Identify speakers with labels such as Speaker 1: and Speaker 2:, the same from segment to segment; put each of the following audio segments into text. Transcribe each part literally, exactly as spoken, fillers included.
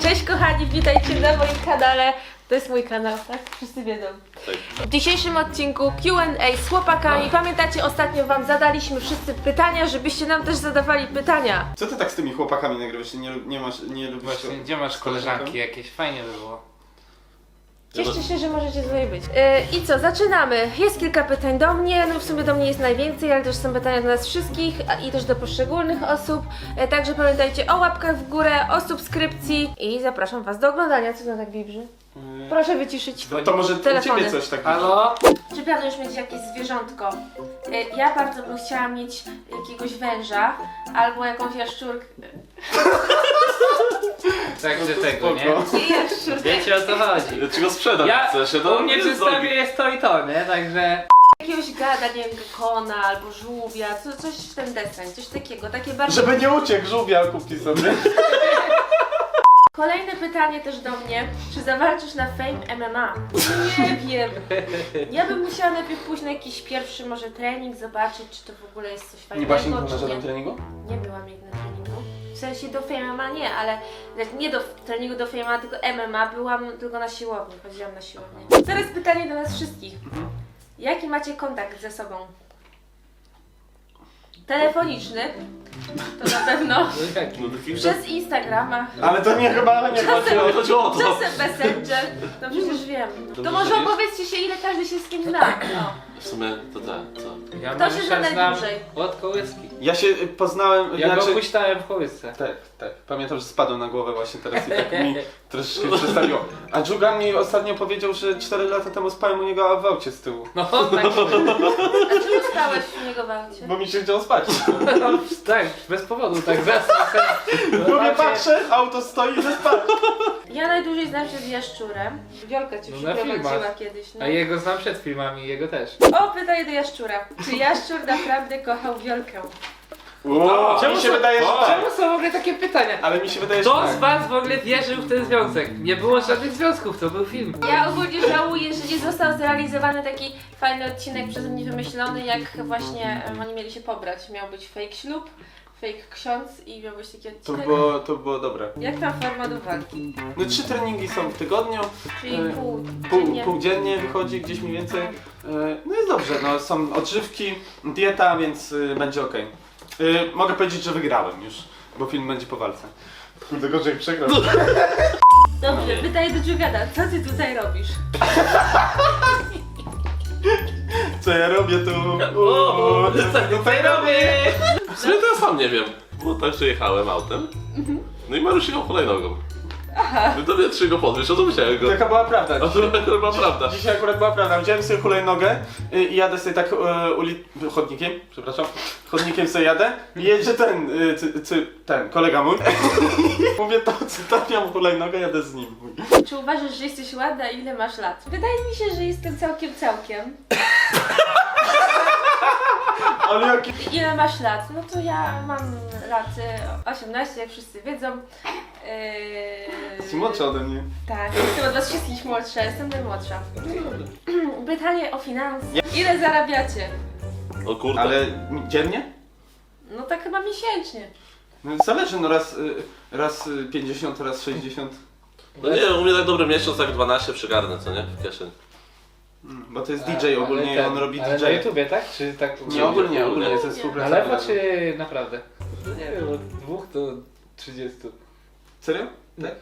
Speaker 1: Cześć kochani, witajcie na moim kanale. To jest mój kanał, tak? Wszyscy wiedzą.
Speaker 2: Tak.
Speaker 1: W dzisiejszym odcinku Q and A z chłopakami.
Speaker 2: No.
Speaker 1: Pamiętacie, ostatnio wam zadaliśmy wszyscy pytania, żebyście nam też zadawali pytania.
Speaker 3: Co ty tak z tymi chłopakami nagrywasz? Nie, lu- nie masz, nie lubisz...
Speaker 4: Właśnie, gdzie masz koleżanki jakieś? Fajnie by było.
Speaker 1: Cieszcie się, że możecie tutaj być. Yy, I co, zaczynamy. Jest kilka pytań do mnie, no w sumie do mnie jest najwięcej, ale też są pytania do nas wszystkich a- i też do poszczególnych osób. Yy, także pamiętajcie o łapkach w górę, o subskrypcji i zapraszam was do oglądania. Co to tak wibrzy? Proszę wyciszyć
Speaker 3: To może u
Speaker 1: telefony.
Speaker 3: ciebie coś takiego.
Speaker 4: Halo?
Speaker 1: Czy planujesz mieć jakieś zwierzątko? Yy, Ja bardzo bym chciała mieć jakiegoś węża albo jakąś jaszczurkę.
Speaker 4: Tak, że tego,
Speaker 3: spoko.
Speaker 4: nie?
Speaker 1: Nie jaszczurkę.
Speaker 4: Wiecie o co chodzi.
Speaker 2: Ja ci go sprzedam,
Speaker 4: Ja,
Speaker 2: chcesz, ja to
Speaker 4: u mnie
Speaker 2: nie
Speaker 4: w zestawie
Speaker 2: zrobię.
Speaker 4: jest to i to, nie? Także...
Speaker 1: Jakiegoś gada, nie wiem, gekona albo żółwia, co, coś w ten deseń, coś takiego, takie bardzo...
Speaker 3: Żeby nie uciekł, żółwia kupi sobie.
Speaker 1: Kolejne pytanie też do mnie. Czy zawalczysz na Fame M M A? Nie wiem. Ja bym musiała najpierw pójść na jakiś pierwszy może trening, zobaczyć, czy to w ogóle jest coś
Speaker 3: Nie
Speaker 1: fajnego,
Speaker 3: byłaś nigdy na
Speaker 1: czy
Speaker 3: żadnym
Speaker 1: nie.
Speaker 3: treningu?
Speaker 1: Nie byłam nigdy na treningu. W sensie do Fame M M A nie, ale nie do treningu do Fame M M A, tylko M M A. Byłam tylko na siłowni, chodziłam na siłownię. Teraz pytanie do nas wszystkich. Jaki macie kontakt ze sobą? Telefoniczny, to na pewno.
Speaker 4: No jaki?
Speaker 2: No taki
Speaker 1: Przez Instagrama.
Speaker 3: Ale to nie chyba, ale nie chodzi o...
Speaker 2: chodzi o to.
Speaker 1: Czasem Messenger, no przecież wiem. To
Speaker 2: Dobrze,
Speaker 1: może
Speaker 2: że
Speaker 1: opowiedzcie się, ile każdy się z kim zna. O.
Speaker 2: W sumie to tak, co?
Speaker 4: Ja
Speaker 1: Kto się zna
Speaker 4: Mariusza znam
Speaker 1: najdłużej?
Speaker 4: od kołyski.
Speaker 3: Ja się y, poznałem...
Speaker 4: Ja
Speaker 3: znaczy...
Speaker 4: go puściłem w kołysce.
Speaker 3: Tak, tak. Pamiętam, że spadłem na głowę właśnie teraz i tak mi troszeczkę przestawiło. A Dżugan mi ostatnio powiedział, że cztery lata temu spałem u niego w aucie z tyłu.
Speaker 4: No tak,
Speaker 1: A czemu stałeś w niego w aucie?
Speaker 3: Bo mi się chciało spać.
Speaker 4: no, tak, bez powodu, tak zasnął.
Speaker 3: Mówię, patrzę, auto stoi i spać.
Speaker 1: Ja najdłużej znam się z Jaszczurem. Wiolka cię
Speaker 4: No na
Speaker 1: przyprowadziła
Speaker 4: filmach.
Speaker 1: kiedyś. No.
Speaker 4: A jego znam przed filmami, jego też.
Speaker 1: O, pytanie do Jaszczura. Czy Jaszczur naprawdę kochał Wiolkę?
Speaker 3: Wow,
Speaker 4: Czemu
Speaker 3: mi się
Speaker 4: są-
Speaker 3: wydaje, że tak.
Speaker 4: Czemu są w ogóle takie pytania?
Speaker 3: Ale mi się wydaje, że
Speaker 4: Kto
Speaker 3: tak.
Speaker 4: z was w ogóle wierzył w ten związek? Nie było żadnych związków, to był film.
Speaker 1: Ja ogólnie żałuję, że nie został zrealizowany taki fajny odcinek przeze mnie wymyślony, jak właśnie em, oni mieli się pobrać. Miał być fake ślub, fake ksiądz i miał być taki
Speaker 3: To
Speaker 1: odcinek.
Speaker 3: było, to było dobre.
Speaker 1: Jak tam forma do walki?
Speaker 3: No trzy treningi są w tygodniu.
Speaker 1: Czyli
Speaker 3: E,
Speaker 1: pół,
Speaker 3: Pół,
Speaker 1: dziennie.
Speaker 3: pół dziennie wychodzi gdzieś mniej więcej. E, No jest dobrze, no są odżywki, dieta, więc y, będzie ok. Mogę powiedzieć, że wygrałem już, bo film będzie po walce. Kurde, gorzej przegrał.
Speaker 1: Dobrze, pytaj do Dżugada, co ty tutaj robisz?
Speaker 3: Co ja robię tu?
Speaker 2: O,
Speaker 3: Co tutaj robię?
Speaker 2: W sumie to ja sam nie wiem. Bo tak, że jechałem autem. No i Mariusz jechał hulajnogą. No to mnie trzy go podwiesz, a to wziąłem go.
Speaker 3: Taka była prawda.
Speaker 2: A to chyba prawda.
Speaker 3: Dzisiaj akurat była prawda. Wziąłem sobie hulajnogę y, i jadę sobie tak e, uli... chodnikiem, przepraszam, chodnikiem sobie jadę i jedzie ten, y, cy, cy, ten, kolega mój. Mówię to, cytapiam hulajnogę, jadę z nim.
Speaker 1: Czy uważasz, że jesteś ładna i ile masz lat? Wydaje mi się, że jestem całkiem całkiem.
Speaker 3: Ale jaki...
Speaker 1: Ile masz lat? No to ja mam lat y, osiemnaście, jak wszyscy wiedzą. Yy...
Speaker 3: Jesteś młodsza ode mnie.
Speaker 1: Tak, jestem od was wszystkich młodsza, jestem najmłodsza. Pytanie o finanse. Ile zarabiacie?
Speaker 2: O kurde.
Speaker 3: Ale dziennie?
Speaker 1: No tak chyba miesięcznie.
Speaker 3: No zależy, no raz, y, raz y, pięćdziesiąt, raz sześćdziesiąt.
Speaker 2: No nie, u mnie tak dobry miesiąc, tak dwanaście przygarnę, co nie? W kieszeni.
Speaker 3: Mm, Bo to jest D J ogólnie i
Speaker 4: Ale
Speaker 3: on
Speaker 4: ten-
Speaker 3: robi
Speaker 4: ale
Speaker 3: D
Speaker 4: na
Speaker 3: J.
Speaker 4: YouTubie, tak? Czy tak?
Speaker 3: Nie, ogólnie, ogólnie
Speaker 1: Nie.
Speaker 3: ze
Speaker 4: Na
Speaker 3: współpracą.
Speaker 4: lewo czy naprawdę? No nie wiem, od dwóch do trzydziestu.
Speaker 3: Serio? Tak.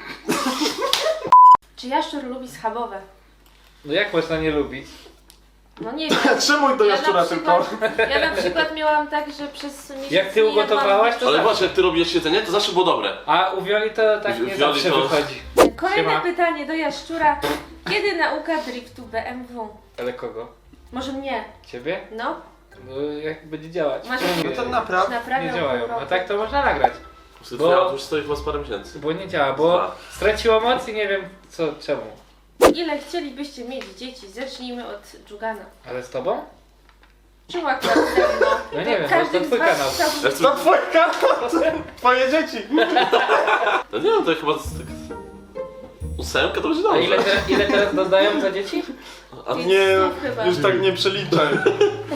Speaker 1: Czy jaszczur lubi schabowe?
Speaker 4: No jak można nie lubić?
Speaker 1: No nie wiem.
Speaker 3: Czemu do
Speaker 1: Ja
Speaker 3: jaszczura
Speaker 1: na
Speaker 3: tylko?
Speaker 1: przykład, ja na przykład miałam tak, że przez miesiąc
Speaker 4: Jak ty
Speaker 1: nie jadłam-
Speaker 4: ugotowałaś, to
Speaker 2: Ale
Speaker 4: zawsze.
Speaker 2: właśnie, jak ty robisz jedzenie, to zawsze było dobre.
Speaker 4: A u Wioli to tak nie
Speaker 2: Wioli
Speaker 4: zawsze
Speaker 2: to-
Speaker 4: wychodzi.
Speaker 1: Kolejne
Speaker 4: Siema.
Speaker 1: pytanie do jaszczura. Kiedy nauka driftu B M W?
Speaker 4: Ale kogo?
Speaker 1: Może mnie?
Speaker 4: Ciebie?
Speaker 1: No?
Speaker 4: No jak będzie działać?
Speaker 1: Masz-
Speaker 3: No to naprawdę.
Speaker 1: Naprawiam
Speaker 4: Nie działają.
Speaker 1: pół roku.
Speaker 4: A tak to można nagrać.
Speaker 2: Bo...
Speaker 4: Bo-
Speaker 2: Ja już stoi chyba z parę miesięcy.
Speaker 4: Bo nie działa, bo straciło moc i nie wiem co, czemu.
Speaker 1: Ile chcielibyście mieć dzieci? Zacznijmy od Dżugana.
Speaker 4: Ale z tobą?
Speaker 1: Czemu akurat ze mną?
Speaker 4: No nie wiem, bo
Speaker 1: Każdy
Speaker 4: to
Speaker 1: z
Speaker 4: twój
Speaker 1: was
Speaker 4: kanał.
Speaker 1: chciałby-
Speaker 2: Ja chcę...
Speaker 3: To twój kanał, twoje dzieci.
Speaker 2: No nie wiem, to chyba... z- tak... Ósemka to będzie
Speaker 4: A
Speaker 2: dobrze.
Speaker 4: ile, te, ile teraz dodają za dzieci?
Speaker 2: A
Speaker 1: Pięć
Speaker 3: Nie,
Speaker 1: słów chyba.
Speaker 3: już tak nie przeliczaj.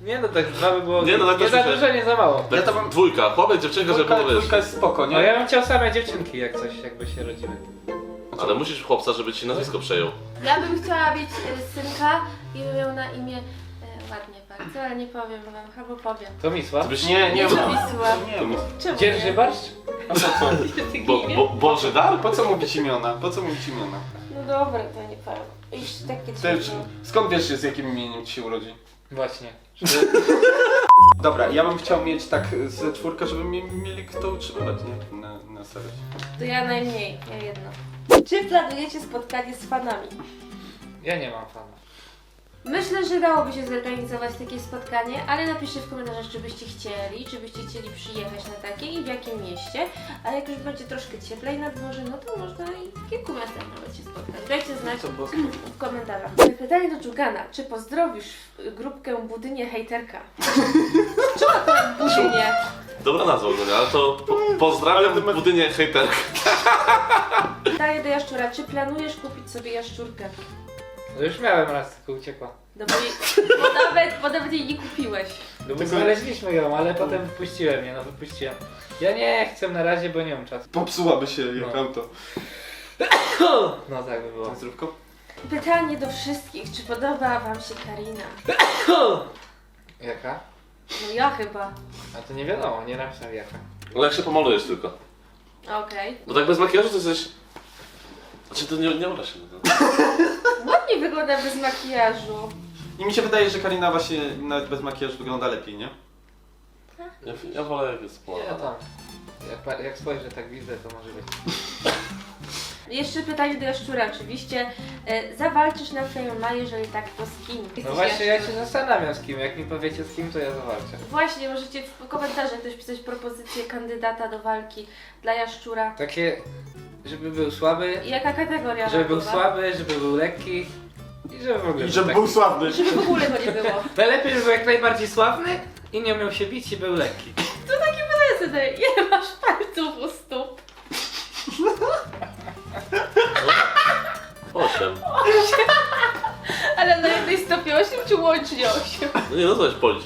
Speaker 4: Nie no, tak dwa by było
Speaker 2: Nie, no, tak
Speaker 4: nie
Speaker 2: też
Speaker 4: za
Speaker 2: myślę.
Speaker 4: dużo, nie za mało.
Speaker 2: Tak,
Speaker 3: Ja to mam-
Speaker 2: Dwójka, chłopiec, dziewczynka, żeby
Speaker 3: Dwójka,
Speaker 2: było wiesz.
Speaker 3: dwójka jest spoko,
Speaker 4: No
Speaker 3: nie?
Speaker 4: ja bym chciał same dziewczynki jak coś, jakby się rodziły.
Speaker 2: Ale musisz chłopca, żeby ci nazwisko przejął.
Speaker 1: Ja bym chciała mieć e, synka i bym miał na imię e, ładnie bardzo, ale nie powiem wam, albo powiem.
Speaker 4: To Misła.
Speaker 2: Ty byś...
Speaker 3: Nie, nie
Speaker 1: To
Speaker 3: ma.
Speaker 1: Wisła.
Speaker 3: Nie ma.
Speaker 1: Czemu
Speaker 4: Dzierży
Speaker 1: nie?
Speaker 4: barszcz?
Speaker 3: A po co?
Speaker 2: Bo, bo, Boży dar?
Speaker 3: Po co mówić imiona? Po co mówić imiona?
Speaker 1: No dobra, to nie powiem. Już takie
Speaker 3: Ty,
Speaker 1: coś.
Speaker 3: skąd wiesz, z jakim imieniem ci się urodzi?
Speaker 4: Właśnie.
Speaker 3: Dobra, ja bym chciał mieć tak ze czwórkę, żeby mi, mieli kto utrzymywać, nie? Na, na starość.
Speaker 1: To ja najmniej, ja jedno. Czy planujecie spotkanie z fanami?
Speaker 4: Ja nie mam fana.
Speaker 1: Myślę, że dałoby się zorganizować takie spotkanie, ale napiszcie w komentarzach, czy byście chcieli, czy byście chcieli przyjechać na takie i w jakim mieście. A jak już będzie troszkę cieplej na dworze, no to można i w kilku miastach nawet się spotkać. Dajcie znać w komentarzach. Pytanie do Dżugana. Czy pozdrowisz grupkę Budynie hejterka? Czemu to Budynie?
Speaker 2: Dobra nazwa ogólnie, ale to po, pozdrawiam
Speaker 3: Ale to ma-
Speaker 2: w budynie hejterka.
Speaker 1: Pytanie do Jaszczura. Czy planujesz kupić sobie jaszczurkę?
Speaker 4: No już miałem raz, tylko uciekła.
Speaker 1: No bo, jej, bo, nawet, bo nawet jej nie kupiłeś.
Speaker 4: No bo
Speaker 3: Tylko-
Speaker 4: znaleźliśmy ją, ale potem wypuściłem je, no wypuściłem. Ja nie chcę na razie, bo nie mam czasu.
Speaker 3: Popsułaby się jak
Speaker 4: No.
Speaker 3: auto.
Speaker 4: No tak by było.
Speaker 3: Zdrówko?
Speaker 1: Pytanie do wszystkich. Czy podoba wam się Karina?
Speaker 4: Jaka?
Speaker 1: No ja chyba.
Speaker 4: A to nie wiadomo, nie napisał jaka.
Speaker 2: No jak się pomalujesz tylko.
Speaker 1: Okej.
Speaker 2: Bo tak bez makijażu to jesteś... Znaczy to nie, nie uda się. No.
Speaker 1: Ładnie wygląda bez makijażu.
Speaker 3: I mi się wydaje, że Karina właśnie nawet bez makijażu wygląda lepiej, nie?
Speaker 2: Ja, ja wolę jak jest
Speaker 4: Nie,
Speaker 2: pomalowana.
Speaker 4: tam. Jak, pa- jak spojrzę tak widzę, to może być.
Speaker 1: Jeszcze pytanie do Jaszczura oczywiście. E, zawalczysz na Fame, jeżeli tak, to z kim?
Speaker 4: No
Speaker 1: Jesteś
Speaker 4: właśnie, ja
Speaker 1: Jaszczur.
Speaker 4: się zastanawiam z kim. Jak mi powiecie z kim, to ja zawalczę.
Speaker 1: Właśnie, możecie w komentarzach też pisać propozycję kandydata do walki dla Jaszczura.
Speaker 4: Takie, żeby był słaby,
Speaker 1: I jaka kategoria?
Speaker 4: żeby był
Speaker 1: była?
Speaker 4: słaby, żeby był lekki i żeby w ogóle
Speaker 3: I żeby
Speaker 4: taki-
Speaker 3: był sławny.
Speaker 1: Żeby w ogóle go nie było.
Speaker 4: Najlepiej, żeby był jak najbardziej sławny i nie umiał się bić i był lekki.
Speaker 1: To takie pytanie sobie, ile masz palców u stóp?
Speaker 2: Osiem.
Speaker 1: Ale na jednej stopie osiem czy łącznie osiem?
Speaker 2: No nie, no to jest policz.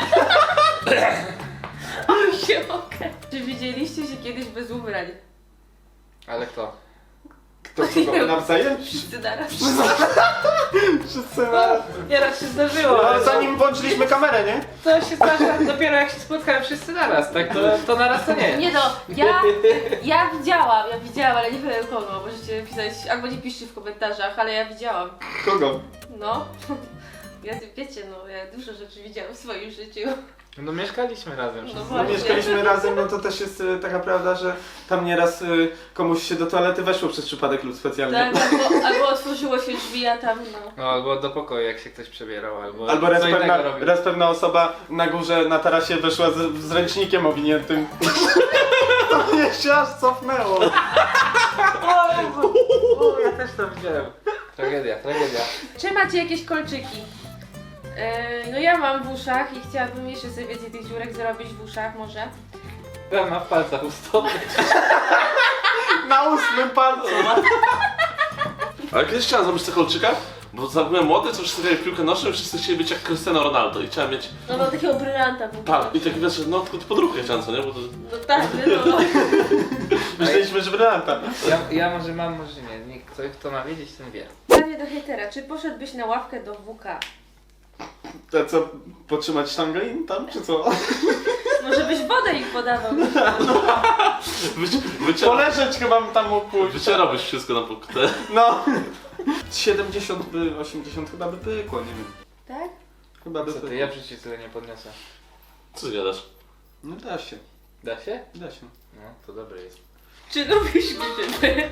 Speaker 1: osiem, okej. Czy widzieliście się kiedyś bez ubrań?
Speaker 4: Ale kto?
Speaker 3: Kto kogo? Nawzajem?
Speaker 1: Wszyscy naraz.
Speaker 3: Wszyscy naraz.
Speaker 4: Nieraz się zdarzyło,
Speaker 3: Ale
Speaker 4: ale to,
Speaker 3: zanim włączyliśmy kamerę, nie?
Speaker 4: to się zdarza dopiero jak się spotkają wszyscy naraz, tak? To, to naraz to nie.
Speaker 1: Nie no, ja, ja widziałam, ja widziałam, ale nie powiem kogo. Możecie pisać, albo nie piszcie w komentarzach, ale ja widziałam.
Speaker 3: Kogo?
Speaker 1: No. Ja, wiecie, no, ja dużo rzeczy widziałam w swoim życiu.
Speaker 4: No mieszkaliśmy razem
Speaker 1: No
Speaker 4: wszyscy.
Speaker 3: No
Speaker 1: właśnie.
Speaker 3: mieszkaliśmy razem, no to też jest e, taka prawda, że tam nieraz e, komuś się do toalety weszło przez przypadek lub specjalnie.
Speaker 1: Tak, albo, albo otworzyło się drzwi, a tam no.
Speaker 4: No albo do pokoju jak się ktoś przebierał, albo,
Speaker 3: Albo raz
Speaker 4: co innego
Speaker 3: pewna,
Speaker 4: robił.
Speaker 3: raz pewna osoba na górze na tarasie weszła z, z ręcznikiem owiniętym. To mnie się aż cofnęło.
Speaker 4: O, Jezu. O, ja też to widziałem. Tragedia, tragedia.
Speaker 1: Czy macie jakieś kolczyki? Yy, no ja mam w uszach i chciałabym jeszcze sobie więcej tych dziurek zrobić w uszach może.
Speaker 4: Ja mam w palcach u stopy.
Speaker 3: Na ósmym palcu.
Speaker 2: Ale kiedyś chciałem zrobić te kolczyka, bo jak byłem młody, to wszyscy grali w piłkę nożną i wszyscy chcieli być jak Cristiano Ronaldo i chciałem mieć...
Speaker 1: No mam takiego brylanta w ogóle.
Speaker 2: Tak, i taki wiesz, no tylko podróbkę chciałem, co nie? Bo to...
Speaker 1: No tak, no.
Speaker 3: Myśleliśmy, że brylanta.
Speaker 4: Ja, ja może mam, może nie. Nikt, kto, kto ma wiedzieć, ten wie.
Speaker 1: Pytanie do hejtera, czy poszedłbyś na ławkę do W K?
Speaker 3: To co, potrzymać sztangę im tam, czy co?
Speaker 1: Może byś wodę ich podawał?
Speaker 2: Wyci wyciera...
Speaker 3: Poleżeć chyba tam mógł pójść.
Speaker 2: Wycierałbyś wszystko na pokutę.
Speaker 3: No. siedemdziesiąt by, osiemdziesiąt chyba by pykło, nie wiem.
Speaker 1: Tak?
Speaker 3: Chyba by
Speaker 4: Co ty,
Speaker 3: pykło.
Speaker 4: ja w życiu tyle nie podniosę.
Speaker 2: Co ty gadasz?
Speaker 3: No da się,
Speaker 4: Da się?
Speaker 3: da się.
Speaker 4: No, to dobre jest.
Speaker 1: Czy lubisz grzyby?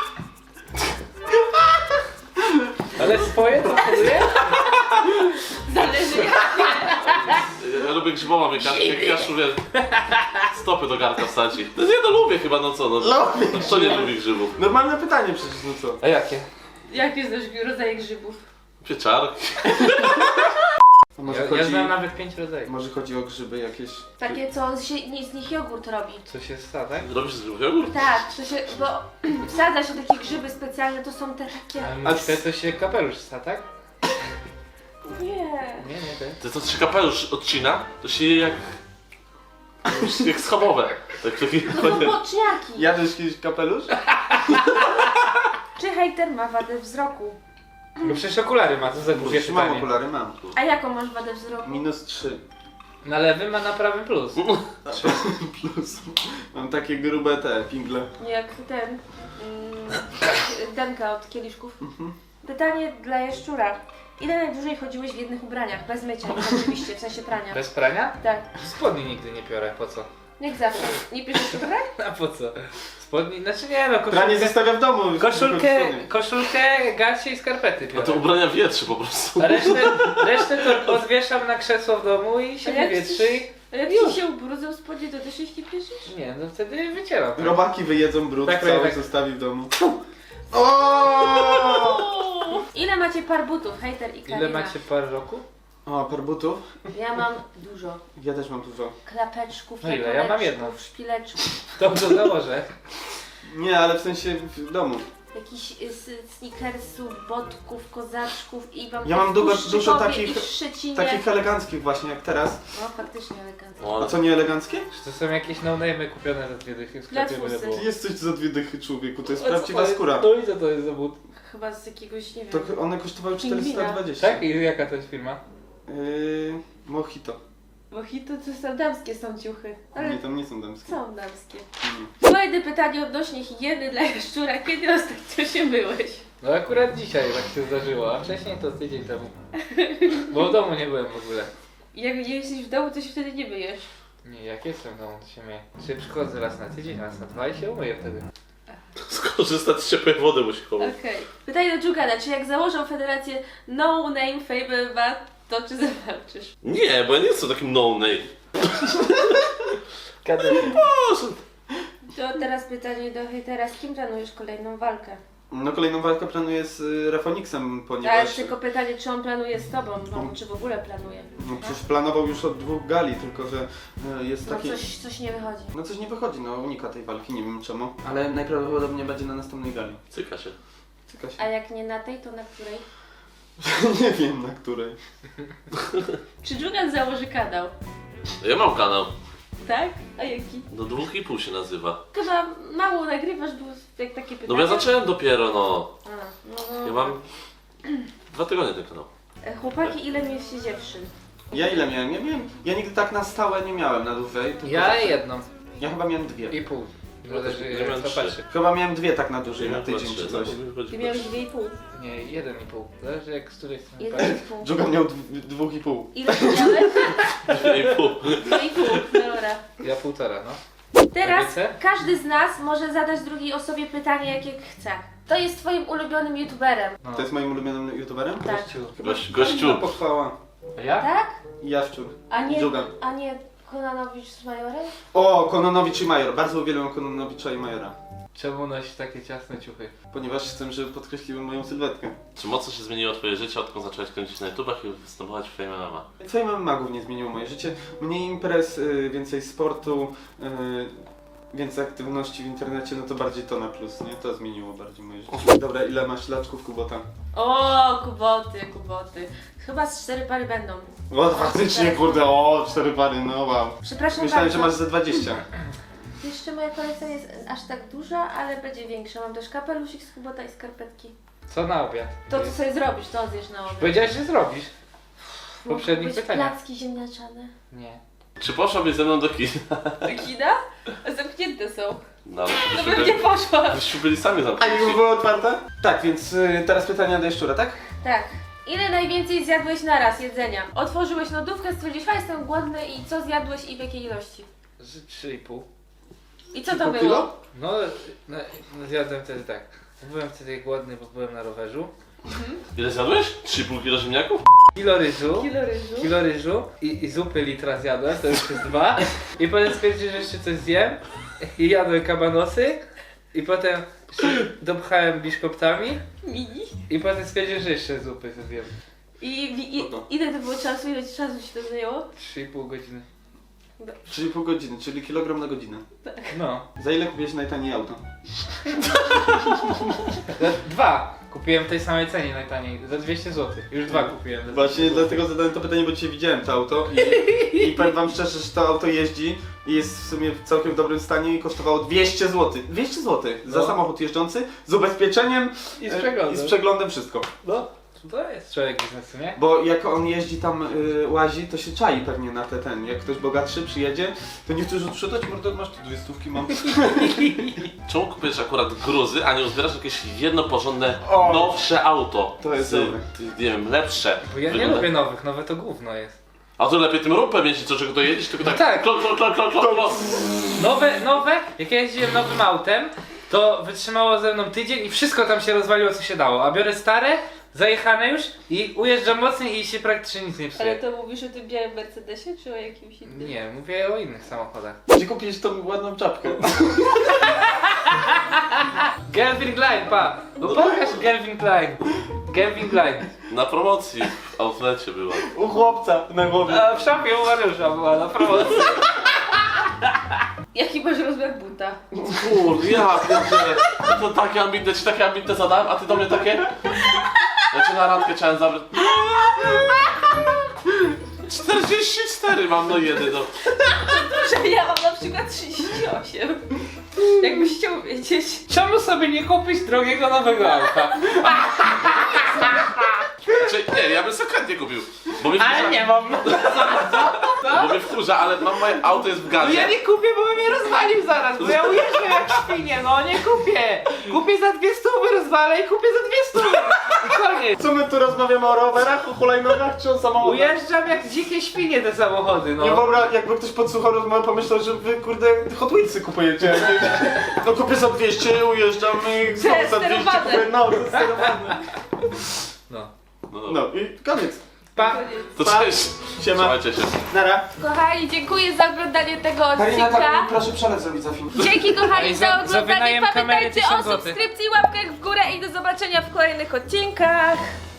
Speaker 4: Ale swoje to hoduje?
Speaker 1: Zależy jakie.
Speaker 2: Ja, ja lubię grzyboma, jak, jak ja szuję stopy do garnka wsadzi. No nie, no lubię chyba, no co, no.
Speaker 3: Lubię
Speaker 2: No, kto nie lubi grzybów?
Speaker 3: Normalne pytanie przecież, no co?
Speaker 4: A jakie?
Speaker 1: Jakie znasz rodzaje grzybów?
Speaker 2: Pieczarki.
Speaker 3: A może,
Speaker 4: Ja,
Speaker 3: chodzi,
Speaker 4: ja znam nawet pięć rodzajów.
Speaker 3: może chodzi o grzyby jakieś...
Speaker 1: Takie, co się, nie, z nich jogurt robi.
Speaker 4: Co się stało, tak?
Speaker 2: Robisz z grzybów jogurt?
Speaker 1: Tak, to się, bo wsadza się takie grzyby specjalne, to są te takie...
Speaker 4: A myślę, to się kapelusz sta, tak?
Speaker 1: Nie.
Speaker 4: Nie, nie, ty.
Speaker 2: To co się kapelusz odcina, to się je jak... jak schabowe. Tak, taki...
Speaker 1: To są boczniaki.
Speaker 3: Jadłeś kiedyś kapelusz?
Speaker 1: Czy hejter ma wadę wzroku?
Speaker 4: No przecież okulary ma, co za głupie
Speaker 3: Już mam
Speaker 4: pytanie.
Speaker 3: okulary, mam.
Speaker 1: A jaką masz wadę wzroku?
Speaker 3: Minus trzy.
Speaker 4: Na lewym, a na prawym plus.
Speaker 3: Plus. Mam takie grube te pingle.
Speaker 1: Jak ten... Mm, Denka od kieliszków. Pytanie dla jaszczura. Ile najdłużej chodziłeś w jednych ubraniach? Bez mycia, oczywiście, w sensie prania.
Speaker 4: Bez prania?
Speaker 1: Tak.
Speaker 4: Spodni nigdy nie piorę, po co?
Speaker 1: Jak zawsze. Nie piszesz ubrań?
Speaker 4: A po co? Spodni, znaczy nie no,
Speaker 3: Pranie
Speaker 4: koszulkę,
Speaker 3: zostawia w domu.
Speaker 4: koszulkę, koszulkę, gacie i skarpety
Speaker 2: No
Speaker 4: piorę.
Speaker 2: to ubrania wietrzy po prostu.
Speaker 4: A resztę, resztę to odwieszam na krzesło w domu i się
Speaker 1: A jak
Speaker 4: wywietrzy i...
Speaker 1: A jak ci się ubrudzą spodnie, to też ich nie piszesz?
Speaker 4: Nie, no wtedy wycieram.
Speaker 3: Robaki wyjedzą brud,
Speaker 4: Tak,
Speaker 3: cały
Speaker 4: tak.
Speaker 3: zostawi w domu. O!
Speaker 1: Ile macie par butów, hejter i Karina?
Speaker 4: Ile macie par roku?
Speaker 3: O, par butów?
Speaker 1: Ja mam dużo.
Speaker 3: Ja też mam dużo.
Speaker 1: Klapeczków,
Speaker 4: No ile? Ja mam jedno.
Speaker 1: jakoleczków, szpileczków.
Speaker 4: To to założę.
Speaker 3: Nie, ale w sensie w domu.
Speaker 1: Jakichś y, s- sneakersów, botków, kozaczków i mam
Speaker 3: Ja mam
Speaker 1: w
Speaker 3: dużo-
Speaker 1: Puszczykowie
Speaker 3: dużo takich-
Speaker 1: i w Szczecinie.
Speaker 3: Takich eleganckich właśnie, jak teraz.
Speaker 1: No faktycznie elegancko.
Speaker 2: O,
Speaker 3: A
Speaker 2: ale...
Speaker 3: co, nie eleganckie?
Speaker 4: Czy to są jakieś no-name'y kupione za dwie dychy w sklepie,
Speaker 1: Dla
Speaker 4: byle
Speaker 1: twusy.
Speaker 4: było?
Speaker 3: Ty jesteś za dwie dychy, człowieku, to jest
Speaker 1: O co
Speaker 3: prawdziwa
Speaker 4: To jest-
Speaker 3: skóra.
Speaker 4: No i co to jest za but?
Speaker 1: Chyba z jakiegoś, nie wiem.
Speaker 3: To one kosztowały czterysta dwadzieścia.
Speaker 4: Tak? I jaka to jest firma?
Speaker 3: Yy, Mojito.
Speaker 1: Mojito to są damskie są ciuchy. Ale
Speaker 3: Nie, tam nie są damskie.
Speaker 1: są damskie.
Speaker 3: Nie.
Speaker 1: Kolejne pytanie odnośnie higieny dla jaszczura. Kiedy ostatnio się myłeś?
Speaker 4: No akurat dzisiaj tak się zdarzyło, a wcześniej to tydzień temu. Bo w domu nie byłem w ogóle.
Speaker 1: Jak nie jesteś w domu, to się wtedy nie myjesz.
Speaker 4: Nie, jak jestem w domu, to się myję. Czy przychodzę raz na tydzień, raz na dwa i się umyję wtedy.
Speaker 2: Skorzystać z ciepłej wody musi chować.
Speaker 1: Okej. Pytanie do Dżugana. Czy jak założą federację No Name Fame M M A, to czy zawalczysz?
Speaker 2: Nie, bo ja nie jestem takim no-name.
Speaker 4: Kadety.
Speaker 2: Boże.
Speaker 1: To teraz pytanie do hejtera. Z kim planujesz kolejną walkę?
Speaker 3: No kolejną walkę planuję z y, Rafoniksem,
Speaker 1: Ale
Speaker 3: ponieważ...
Speaker 1: tylko pytanie, czy on planuje z tobą, no, czy w ogóle planuje.
Speaker 3: No przecież planował już od dwóch gali, tylko że y, jest
Speaker 1: No
Speaker 3: taki...
Speaker 1: coś, coś nie wychodzi.
Speaker 3: No coś nie wychodzi, no unika tej walki, nie wiem czemu. Ale najprawdopodobniej będzie na następnej gali.
Speaker 2: Cyka się.
Speaker 3: Cyka się.
Speaker 1: A jak nie na tej, to na której?
Speaker 3: Nie wiem na której.
Speaker 1: Czy Dżugan założy kanał?
Speaker 2: Ja mam kanał.
Speaker 1: Tak? A jaki?
Speaker 2: Do dwóch i pół się nazywa.
Speaker 1: Chyba mało nagrywasz, bo jak takie pytania.
Speaker 2: No bo ja zacząłem dopiero, no.
Speaker 1: A, no, no.
Speaker 2: Ja mam dwa tygodnie ten kanał.
Speaker 1: E, Chłopaki, ile mieliście dziewczyn?
Speaker 3: Ja ile miałem? Ja miałem... Ja nigdy tak na stałe nie miałem na dłużej. tylko
Speaker 4: Ja
Speaker 3: zawsze-
Speaker 4: jedną
Speaker 3: Ja chyba miałem dwie.
Speaker 4: i pół.
Speaker 2: Ja też-
Speaker 4: Zależy
Speaker 2: ja
Speaker 4: jak
Speaker 2: miałem
Speaker 4: to
Speaker 2: trzy.
Speaker 4: patrzy.
Speaker 3: Chyba miałem dwie tak na dłużej, na
Speaker 2: Ja
Speaker 3: tydzień
Speaker 2: patrzę,
Speaker 3: czy coś.
Speaker 2: no, chodzi-
Speaker 1: Ty miałeś dwie i pół.
Speaker 4: Nie, jeden i pół. Zależy jak z której strony
Speaker 1: Jeden
Speaker 4: patrzy.
Speaker 1: i pół.
Speaker 3: Dżugan miał dw- dwóch i pół.
Speaker 1: Ile ty miałeś?
Speaker 2: Dwie i pół.
Speaker 1: Dwie i pół, dobra.
Speaker 4: Ja półtora, no.
Speaker 1: Teraz
Speaker 4: Rodzice?
Speaker 1: każdy z nas może zadać drugiej osobie pytanie, jakie chce. To jest twoim ulubionym youtuberem,
Speaker 4: no.
Speaker 3: To jest moim ulubionym youtuberem?
Speaker 1: tak?
Speaker 4: Gościu.
Speaker 2: Gość, gościu.
Speaker 3: Fajna pochwała.
Speaker 4: A ja?
Speaker 1: Tak?
Speaker 3: I Jaszczur.
Speaker 1: A nie,
Speaker 3: Dżugan.
Speaker 1: a nie Konanowicz z Majorem?
Speaker 3: O, Kononowicz i Major. Bardzo uwielbiam Kononowicza i Majora.
Speaker 4: Czemu nosisz takie ciasne ciuchy?
Speaker 3: Ponieważ chcę, żeby podkreśliły moją sylwetkę.
Speaker 2: Czy mocno się zmieniło twoje życie, odkąd zacząłeś kręcić na YouTubach i występować w Fame M M A?
Speaker 3: Twoje mamy magów nie zmieniło moje życie. Mniej imprez, y, więcej sportu, y, więcej aktywności w internecie, no to bardziej to na plus, nie? To zmieniło bardziej moje życie. Dobra, ile masz laczków Kubota?
Speaker 1: O, kuboty, kuboty. Chyba z cztery pary będą.
Speaker 3: O, faktycznie, kurde, o, cztery pary, no wow.
Speaker 1: Przepraszam
Speaker 3: Myślałem,
Speaker 1: bardzo.
Speaker 3: że masz ze dwadzieścia.
Speaker 1: Jeszcze moja kolekcja nie jest aż tak duża, ale będzie większa. Mam też kapelusik z kubota i skarpetki.
Speaker 4: Co na obiad?
Speaker 1: To co sobie zrobisz, to zjesz na obiad.
Speaker 4: Powiedziałeś, że zrobisz. W
Speaker 1: Mogą
Speaker 4: poprzednich
Speaker 1: być
Speaker 4: pytaniach.
Speaker 1: placki ziemniaczane.
Speaker 4: Nie.
Speaker 2: Czy poszłabyś ze mną do kina?
Speaker 1: Do kina? Zamknięte są.
Speaker 2: No, ale
Speaker 1: No
Speaker 2: byśmy
Speaker 1: bym nie
Speaker 2: byli,
Speaker 1: poszła.
Speaker 2: byśmy byli sami
Speaker 3: A
Speaker 2: zamknięci.
Speaker 3: już było otwarte? Tak, więc y, teraz pytania do Jaszczura, tak?
Speaker 1: Tak. Ile najwięcej zjadłeś na raz jedzenia? Otworzyłeś lodówkę, stwierdziłeś, a jestem głodny i co zjadłeś i w jakiej ilości?
Speaker 4: Z trzy i pół.
Speaker 1: I co to
Speaker 3: Pół
Speaker 1: było?
Speaker 3: kilo?
Speaker 4: No, no, no zjadłem wtedy tak. Byłem wtedy głodny, bo byłem na rowerzu.
Speaker 2: Ile zjadłeś? trzy i pół kilo ziemniaków?
Speaker 4: Kilo ryżu.
Speaker 1: Kilo ryżu.
Speaker 4: Kilo ryżu i, i zupy litra zjadłem, to już jest dwa. I potem stwierdziłem, że jeszcze coś zjem. I jadłem kabanosy. I potem się dopchałem biszkoptami.
Speaker 1: Mini.
Speaker 4: I potem stwierdziłem, że jeszcze zupy zjem.
Speaker 1: I, i, i
Speaker 3: Spoko.
Speaker 1: ile to było czasu? Ile ci czasu się to zajęło?
Speaker 4: trzy i pół godziny.
Speaker 3: trzy i pół godziny, czyli kilogram na godzinę.
Speaker 4: No.
Speaker 3: Za ile kupiłeś najtaniej auto?
Speaker 4: Dwa. Kupiłem w tej samej cenie najtaniej, za dwieście złotych. Już dwa kupiłem.
Speaker 3: Właśnie dlatego zadałem to pytanie, bo dzisiaj widziałem to auto i, i powiem wam szczerze, że to auto jeździ i jest w sumie w całkiem dobrym stanie i kosztowało dwieście złotych. dwieście złotych za
Speaker 4: No.
Speaker 3: samochód jeżdżący z ubezpieczeniem
Speaker 4: I z
Speaker 3: e,
Speaker 4: przeglądem.
Speaker 3: i z przeglądem wszystko.
Speaker 4: No, to jest człowiek biznesu, nie?
Speaker 3: Bo jak on jeździ tam, y, łazi, to się czai pewnie na te ten. Jak ktoś bogatszy przyjedzie, to nie chcesz odprzedać, mordo, masz tu dwie stówki, mam.
Speaker 2: Czemu kupujesz akurat gruzy, a nie uzbierasz jakieś jedno porządne,
Speaker 3: O!
Speaker 2: nowsze auto?
Speaker 3: To jest
Speaker 2: z,
Speaker 3: dobre.
Speaker 2: nie wiem, lepsze.
Speaker 4: Bo ja nie
Speaker 2: Wygląda-
Speaker 4: lubię nowych, nowe to gówno jest.
Speaker 2: A to lepiej tym rumpem jeździć, co czego to jedziesz, tylko tak.
Speaker 4: tak.
Speaker 2: Klok, klok, klok, klok, klok, klok.
Speaker 4: Nowe, nowe, jak ja jeździłem nowym autem, to wytrzymało ze mną tydzień i wszystko tam się rozwaliło co się dało. A biorę stare, zajechane już i ujeżdżam mocniej i się praktycznie nic nie
Speaker 1: Ale
Speaker 4: psuje.
Speaker 1: to mówisz o tym białym Mercedesie, czy o jakimś innym?
Speaker 4: Nie, mówię o innych samochodach.
Speaker 3: Gdzie kupisz tą ładną czapkę?
Speaker 4: Gelvin Klein, pa! No pokaż Gelvin Klein. Gelvin Klein.
Speaker 2: Na promocji w outlecie była.
Speaker 3: U chłopca na głowie.
Speaker 4: A w szafie u Mariusza była na promocji.
Speaker 1: Jaki masz rozmiar buta?
Speaker 2: Kurde, ja pierdzielę. To takie ambitne, ci takie ambitne zadałem, a ty do mnie takie? Ja cię na randkę chciałem zabrać. czterdzieści cztery mam, no jedy, no.
Speaker 1: Że ja mam na przykład trzydzieści osiem. Jakbyś chciał wiedzieć.
Speaker 4: Czemu sobie nie kupić drogiego nowego auta?
Speaker 2: Znaczy, nie, ja bym sobie chętnie kupił. Bo mnie
Speaker 4: Ale
Speaker 2: wkurza,
Speaker 4: nie mam.
Speaker 2: bo mnie wkurza, ale mam moje auto jest w
Speaker 4: No
Speaker 2: gazie.
Speaker 4: ja nie kupię, bo bym mnie rozwalił zaraz, bo ja ujeżdżam jak świnie, no nie kupię. Kupię za dwie stówy, rozwalę i kupię za dwie stówy. I koniec.
Speaker 3: Co my tu rozmawiamy o rowerach, o hulajnogach czy o samochodach?
Speaker 4: Ujeżdżam jak dzikie świnie te samochody,
Speaker 3: Nie
Speaker 4: no.
Speaker 3: wyobraź, jakby ktoś podsłuchał rozmowę, pomyślał, że wy kurde Hot Wheelsy kupujecie. No kupię za dwieście, ujeżdżam i znowu za dwieście
Speaker 1: Sterowane.
Speaker 3: kupuję. No, to jest sterowane.
Speaker 4: No.
Speaker 2: No dobra.
Speaker 3: No i koniec.
Speaker 4: Pa.
Speaker 2: To
Speaker 3: Pa.
Speaker 2: cześć.
Speaker 3: Siema.
Speaker 2: Trzymajcie się.
Speaker 3: Nara.
Speaker 1: Kochani, dziękuję za oglądanie tego
Speaker 3: Karina,
Speaker 1: odcinka.
Speaker 3: tak, proszę przelec zrobić za film.
Speaker 1: Dzięki kochani
Speaker 4: Ej,
Speaker 1: za
Speaker 4: za- za
Speaker 1: oglądanie.
Speaker 4: wynajem kamery
Speaker 1: Pamiętajcie o
Speaker 4: tysiąc złotych.
Speaker 1: subskrypcji, łapkach w górę i do zobaczenia w kolejnych odcinkach.